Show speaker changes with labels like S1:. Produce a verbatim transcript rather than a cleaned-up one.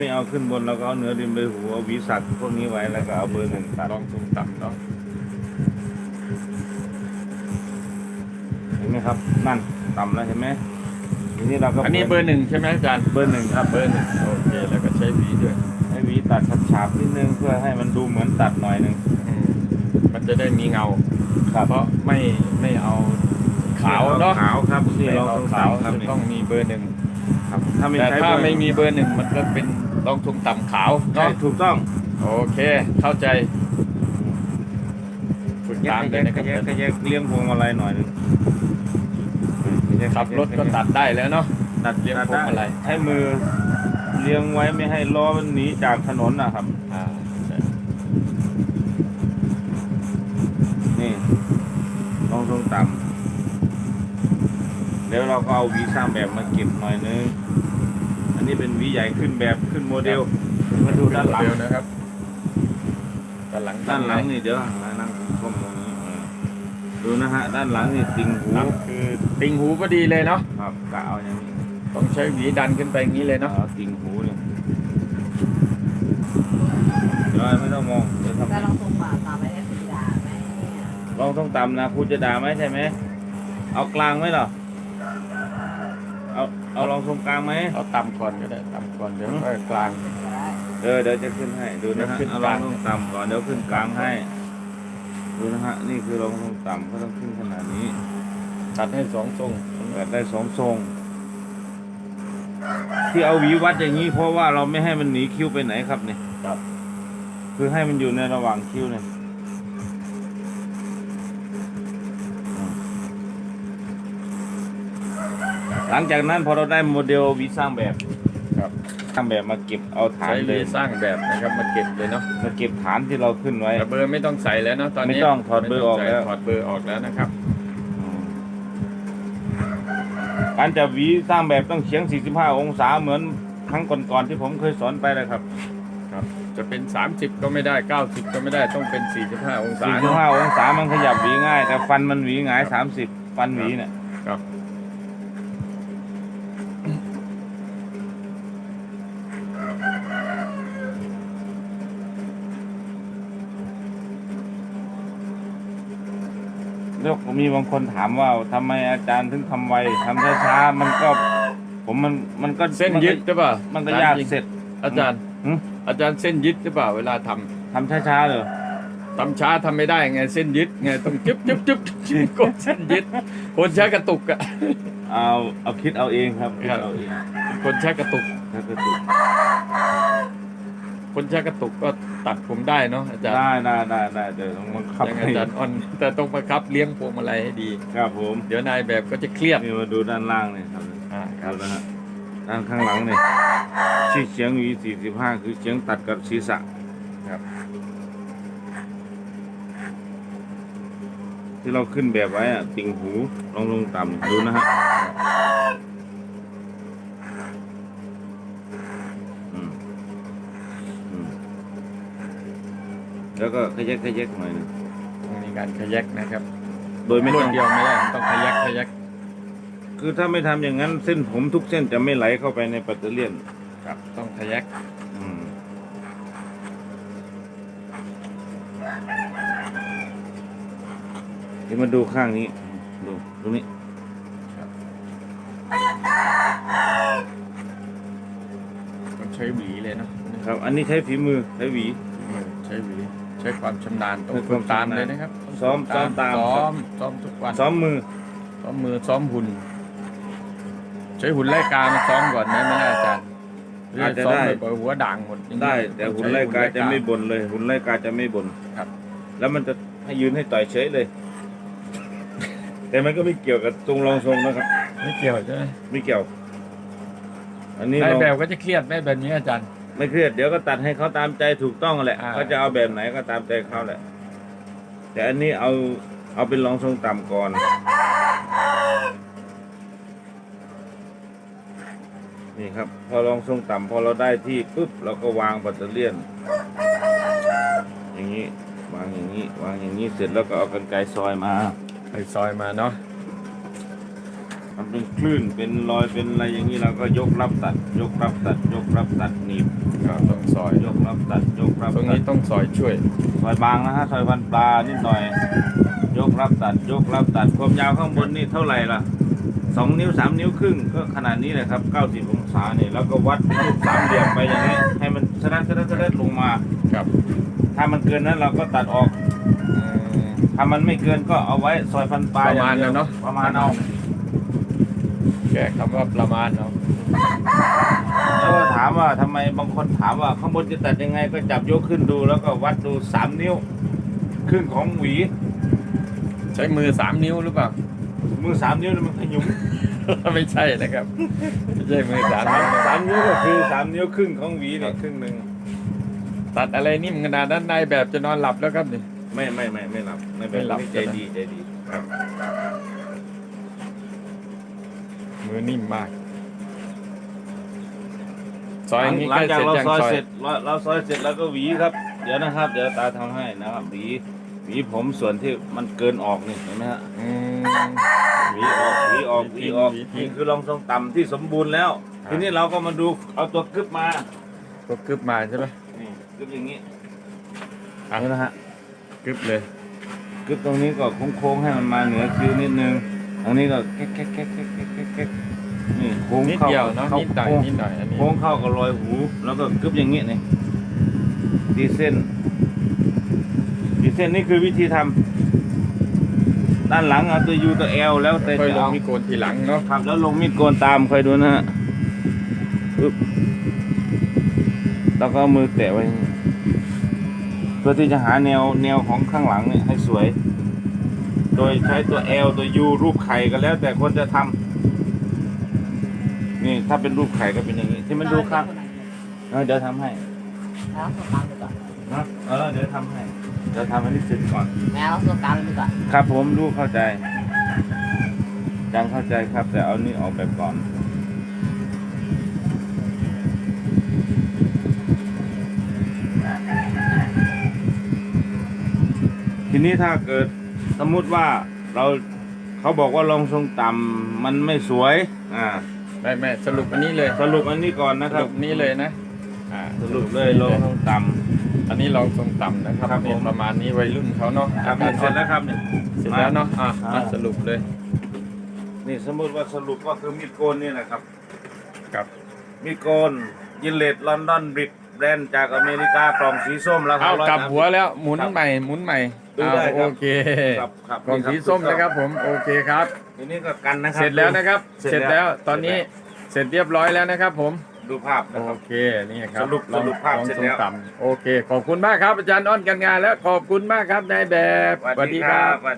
S1: ไม่เอาขึ้นบนเราก็เอาเนื้อดินไปหูเอาวิสักพวกนี้ไว้แล้วก็เอาเบอร์หนึ่งตัด
S2: ลองสูงต่ำเนาะ
S1: เห็นไหมครับนั่นต่ำแล้วเห็นไหมทีนี้เราก็
S2: อันนี้เบอร์หนึ่งใช่ไหมอาจารย์
S1: เบอร์หนึ่งครับ
S2: เบอร์หนึ่งโอเคแล้วก็ใช้หวีด้วย
S1: ให้หวีตัดฉาบๆนิดนึงเพื่อให้มันดูเหมือนตัดหน่อยนึง
S2: อืมมันจะได้มีเงา
S1: ครับ
S2: เพราะไม่ไม่เอาขาวเนาะ
S1: ขาวครับที่
S2: ไม่
S1: เรา
S2: เอา
S1: ต้อง
S2: ขาว
S1: ต่ำครับ
S2: จะ
S1: นี่
S2: ต้องมีเบอร์หนึ่ง
S1: ครับถ้าไม่
S2: แต่
S1: ใช้
S2: ถ้า
S1: เบอร์
S2: ไม่มีเบอร์หนึ่งมันก็เป็นลองสูงต่ำขาว
S1: ใช่
S2: เนาะ
S1: ถูกต้อง
S2: โอเคเข้าใจฝึก
S1: แย
S2: ตาก ม
S1: แย
S2: เลย
S1: ก
S2: นะค
S1: แย
S2: รั
S1: ก
S2: บ
S1: แยกเลี้ยงพวงมาลัยหน่อยนึง
S2: ขับรถก็ตัดได้แล้วเนาะ
S1: ตัด
S2: เลี้ยง
S1: ตัด
S2: พวงมาลั
S1: ได้
S2: ย
S1: ให้มือเลี้ยงไว้ไม่ให้ล้อมันหนีจากถนนนะครับ
S2: อ่าใช่
S1: นี่ลองทรงต่ำแล้วเราก็เอาหวีสร้างแบบมาเก็บหน่อยนึงอันนี้เป็นหวีใหญ่ขึ้นแบบขึ้นโมเดลมาดูด้านหลัง
S2: เร็วนะครับด้านหลัง
S1: ด้านหลังนี่เดี๋ยวนั่งชมตรงนี้เออดูนะฮะด้านหลังนี่ติ่งหู
S2: นั่นคือติงหูพอดีเลยเนาะ
S1: ครับกะเอาอย่างนี้
S2: ต้องใช้หวีดันขึ้นไปอย่างนี้เลยเนาะ
S1: เอาติ่งหูเนี่ยเดี๋ยวไม่ต้องมองเดี๋ยวทำ
S3: จะลองส่งบาทตามไปได้สีดาไหมเนี่ย
S1: ลองต้องต่ำนะครูจะด่าไหมใช่ไหมเอากลางไหมเหรอเอาเอาลองทรงกลางไหม
S2: เอาต่ำก่อนก็ได้ต่ำก่อนเดี๋ยวค่อยกลาง
S1: เออเดี๋ยวจะขึ้นให้ดูนะฮะ
S2: เดี๋ยวขึ้น
S1: เอา
S2: ก
S1: ลอ
S2: ลาง ง
S1: ต้องต่ำก่อนเดี๋ยวขึ้นกลางให้ดูนะฮะนี่คือลองต้องต่ำก็ต้องขึ้นขนาดนี้
S2: ตัดให้สองทรง
S1: แบบได้สองทรง ที่เอาหวีวัดอย่างนี้เพราะว่าเราไม่ให้มันหนีคิ้วไปไหนครับเนี่ย
S2: ครับ
S1: คือให้มันอยู่ในระหว่างคิ้วเนี่ยอืมหลังจากนั้นพอเราได้โมเดลหวีสร้างแบบ
S2: ครับ
S1: สร้างแบบมาเก็บเอาฐาน
S2: ใช้
S1: เล
S2: เลย ยสร้างแบบนะครับมาเก็บเลยเนาะ
S1: มาเก็บฐานที่เราขึ้นไว้
S2: แต่เบอร์ไม่ต้องใส่แล้วเนาะตอนนี้
S1: ไม่ต้องถอดเบอร์ออกแล้ว
S2: ถอดเบอร์ออกแล้วนะครับ
S1: การจับหวีสร้างแบบต้องเฉียง สี่สิบห้า องศาเหมือนครั้งก่อนๆที่ผมเคยสอนไปเลยครับ
S2: ครับ จะเป็นสามสิบก็ไม่ได้เก้าสิบก็ไม่ได้ต้องเป็นสี่สิบห้าองศา
S1: สี่สิบห้า องศามันขยับหวีง่าย แต่ฟันมันหวีหงาย สามสิบ ฟันหวีเนี่ย
S2: ครับ
S1: แล้วมีบางคนถามว่าทำไมอาจารย์ถึงทำไวทำช้าๆมันก็ ผมมันมันก็
S2: เส้นยึดหรือเปล่า
S1: มันก็ยากเสร็จ
S2: อาจารย์
S1: หึ
S2: อาจารย์เส้นยึดหรือเปล่าเวลาทำ
S1: ทำช้าๆเลย
S2: ทำช้าทำไม่ได้ไงเส้นยึดไงต้องจึ๊บจึ๊บจึ๊บจึ๊บกดเส้นยึดคนใช้กระตุกอะ
S1: เอาเอาคิดเอาเองครับคิด
S2: ครับ
S1: เอาเอง
S2: คนใช้กระตุก
S1: ถ้ากระตุก
S2: คนใช้กระตุกก็ตัดผมได้เนาะอาจารย์
S1: ได้ได้ได้ได้เดี๋ยวต้องบังคับ
S2: ยัง
S1: ให้
S2: อาจารย์อ่อนแต่ต้องบังคับเลี้ยงพวงมาลัยให้ดี
S1: ครับผม
S2: เดี๋ยวนายแบบก็จะเครียด
S1: นี่มาดูด้านล่างนี่ครับ
S2: อ่าค
S1: ค
S2: รั
S1: รับ บนะฮะด้านข้างหลังนี่ที่เฉียงหวีสี่สิบห้าคือเฉียงตัดกับศีรษะ
S2: ครับ
S1: ที่เราขึ้นแบบไว้อะติ่งหูลงลงต่ำดูนะฮะอืมอืมแล้วก็ขยักขยักหน่อยหนึง
S2: ต้องมีการขยักนะครับ
S1: โดยไม่
S2: รว
S1: ต้
S2: ด
S1: อง
S2: เดียวไม่ได้ต้องขยักขยัก
S1: คือถ้าไม่ทำอย่างนั้นเส้นผมทุกเส้นจะไม่ไหลเข้าไปในปัตเตอร์เลียน
S2: ครับต้องขยัก
S1: อืมเดี๋ยวมาดูข้างนี้ ดูตรงนี้
S2: ต้องใช้หวีเลยเนาะ
S1: ครับ อันนี้ใช้ฝีมือใช้หวี
S2: ใช้หวีใช้ความชำนาญต้อง
S1: ใช้
S2: ฝึก
S1: ความ
S2: ตาม
S1: ชำนาญ
S2: เลยนะครับ
S1: ซ้อมซ้อมตาม
S2: ซ้อมซ้อมทุกวัน
S1: ซ้อมมือ
S2: ซ้อมมือซ้อมหุ่น ใช้หุ่นไล่กามาซ้อมก่อนไหมไม่น่าอาจารย์หรื
S1: อาจจะ
S2: ซ้อม
S1: ได้
S2: บ่อยๆหัวด่างหมดอย่างนี้
S1: ได้ แต่หุ่นไล่กาจะไม่บ่นเลย หุ่นไล่กาจะไม่บ่น
S2: ครับ
S1: แล้วมันจะให้ยืนให้ต่อยเฉยเลย แต่มันก็ไม่เกี่ยวกับทรงรองทรงนะครับ
S2: ไม่เกี่ยวใช่ไหม
S1: ไม่เกี่ยว อันนี้
S2: นาย
S1: เรา
S2: แบบก็จะเครียดไหมแบบนี้อาจารย์
S1: ไม่เครียดเดี๋ยวก็ตัดให้เขาตามใจถูกต้องแหละ
S2: อ่า
S1: เขาจะเอาแบบไหนก็ตามใจเขาแหละ แต่อันนี้เอาเอาเป็นรองทรงต่ำก่อน นี่ครับ พอรองทรงต่ำพอเราได้ที่ปุ๊บเราก็วางปัตเตอร์เลียน อย่างนี้วางอย่างนี้วางอย่างนี้เสร็จแล้วก็เอากรรไกรซอยมา
S2: ไปซอยมาเนาะ
S1: ทำเป็นคลื่นเป็นรอยเป็นอะไรอย่างนี้เราก็ยกรับตัด ยกรับตัด ยกรับตัดหนีบ
S2: อ่าต้องซอย
S1: ยกรับตัดยกรับ
S2: ตรง
S1: ตั
S2: นี้
S1: ด
S2: ต้องซอยช่วย
S1: ซอยบางนะฮะซอยฟันปลานิดหน่อย ยกรับตัดยกรับตัดความยาวข้างบนนี่เท่าไหร่ล่ะสองนิ้วสามนิ้วครึ่งก็ขนาดนี้เลยครับเก้าสิบองศาเนี่ยแล้วก็วัดรูปสามเหลี่ยมไปอย่างนี้ให้มันสะดัดสะดัดสะดัดลงมา
S2: ครับ
S1: ถ้ามันเกินนั้นเราก็ตัดออก
S2: อืม
S1: ถ้ามันไม่เกินก็เอาไว้ซอยฟันปลา
S2: ประมาณ
S1: อย่งดียว
S2: นั้นเนอะ
S1: ประมาณเอา
S2: แก้คำว่าประมาณเนาะ
S1: แล้วก็ถามว่าทำไมบางคนถามว่าข้างบนจะตัดยังไงก็จับยกขึ้นดูแล้วก็วัดดูสามนิ้วครึ่งของหวี
S2: ใช้มือสามนิ้วหรือเปล่า
S1: มือสามนิ้วนี่มันขยุม
S2: ไม่ใช่นะครับไม่ใช่มือสาม
S1: สา
S2: นิ้
S1: ม
S2: ว
S1: สามนิ้วก็คือสามนิ้วครึ่งของหวีเนี่ยครึ่งหนึ่ง
S2: ตัดอะไรนิ่มขนาดนั้นนายแบบจะนอนหลับแล้วครับนี่
S1: ไม่ไม่ไม่ไม่หลับไม่
S2: ไม่หลับ
S1: ใจดีใจดีครับ
S2: มือนิ่มมาก ซอย
S1: หลัง
S2: นี้
S1: หลั
S2: ใก
S1: ง
S2: ล้
S1: จาก
S2: เสร็จ
S1: เรา
S2: ยัง
S1: ซอย
S2: ซอย
S1: เสร็จเราเราซอยเสร็จแล้วก็หวีครับ เดี๋ยวนะครับ เดี๋ยวตาทำให้นะครับหวีหวีผมส่วนที่มันเกินออกนี่เห็นไหมฮะ
S2: อืม
S1: หวีออกหวีออกหวีออก
S2: หวีทิ้ง
S1: นี่คือรองทรงต่ำที่สมบูรณ์แล้ว
S2: ครับ
S1: ทีนี้เราก็มาดูเอาตัวกึบมา
S2: ก็กึบมาใช่ไหม
S1: นี่กึบอย่างนี้
S2: อ่ะ
S1: นี่นะฮะ
S2: กึบเลย
S1: กึบตรงนี้ก็โค้งๆให้มันมาเหนือคิ้วนิดนึงตรงนี้ก็แก๊กแก๊กแก๊กแก๊กแก๊กแก๊กแก๊กนี่โค้ง
S2: นิด
S1: เข้า
S2: เดียวเนาะ
S1: ข้า
S2: นิดหน่อย
S1: โค้ง
S2: นิดหน่อยอันนี้
S1: โค้งเข้ากับรอยหู แล้วก็กึบอย่างนี้นี่ดีเส้นดีเส้นนี่คือวิธีทำด้านหลังเอาตัวยูตัวเอลแล้วแต่
S2: ค่อย
S1: จะ
S2: ลง
S1: เอา
S2: มีโกนทีหลังเนาะ
S1: ครับแล้วลงมีดโกนตามคอยดูนะฮะปึ๊บแล้วก็เอามือแตะไว้เพื่อที่จะหาแนวแนวของข้างหลังเนี่ยให้สวย โดยใช้ตัว L ตัว U รูปไข่ก็แล้ว แต่คนจะทำนี่ถ้าเป็นรูปไข่ก็เป็นอย่างนี้ ที่มันดูข้างเออเดี๋ยวทำให้
S3: แล้วส่งตามไปก่อน
S1: นะเออเดี๋ยวทำให้เดี๋ยวทำให้นี่เสร็จก่อน
S3: แม่เราส่งตามไปก่อน
S1: ครับผมรู้เข้าใจยังเข้าใจครับ แต่เอานี่ออกไปก่อน ทีนี้ถ้าเกิดสมมุติว่าเราเขาบอกว่าลองทรงต่ำมันไม่สวย อ่า
S2: ไม่ไม่สรุปอันนี้เลย
S1: สรุปอันนี้ก่อนนะ
S2: ส
S1: ครับ
S2: รุปนี้เลยนะอ่า
S1: สรุปเลยลองทรงต่
S2: อันนี้ลองทรงต่ำนะครับ
S1: ครับผม
S2: นี่ประมาณนี้วัยรุ่นเขาเนาะ
S1: ำครับนี่เสร็จแล้วครับเนี่ย
S2: เสร็จแล้วเนาะอ่ะ
S1: อ่าม
S2: มาสรุปเลย
S1: นี่สมมติว่าสรุปก็คือมีดโกนนี่แหละครับ
S2: กับ
S1: มีดโกนยินเลดลอนดอนบริดแบรนด์จากอเมริกากล่องสีส้มราคา
S2: เอา
S1: ร้อย
S2: กลับ
S1: สามสิ
S2: หัวแล้วหมุน
S1: ครับ
S2: ใหม่หมุนใหม่
S1: ดูได้
S2: เอา
S1: ครับ
S2: โอเค
S1: ครับครับ
S2: กล่องสีส้มนะครับผมโอเคครับ
S1: ทีนี้ก็กันนะครับ
S2: เสร็จแล้วนะครับ
S1: เสร็จ
S2: เสร็จ
S1: แล้
S2: แล้ว วตอนนี้เสร็จเรียบร้อยแล้วนะครับผม
S1: ดูภาพนะค
S2: โอ
S1: รับ
S2: เคนี่ครับ
S1: สรุป
S2: ลอง
S1: สรุปภาพ
S2: ลอง
S1: เสร็จ
S2: ทร
S1: แล้
S2: ง
S1: ว
S2: ต่ำโอเค ขอบคุณมากครับอาจารย์อ้อนกันงานแล้วขอบคุณมากครับนายแบบ
S1: สวัสดีครับ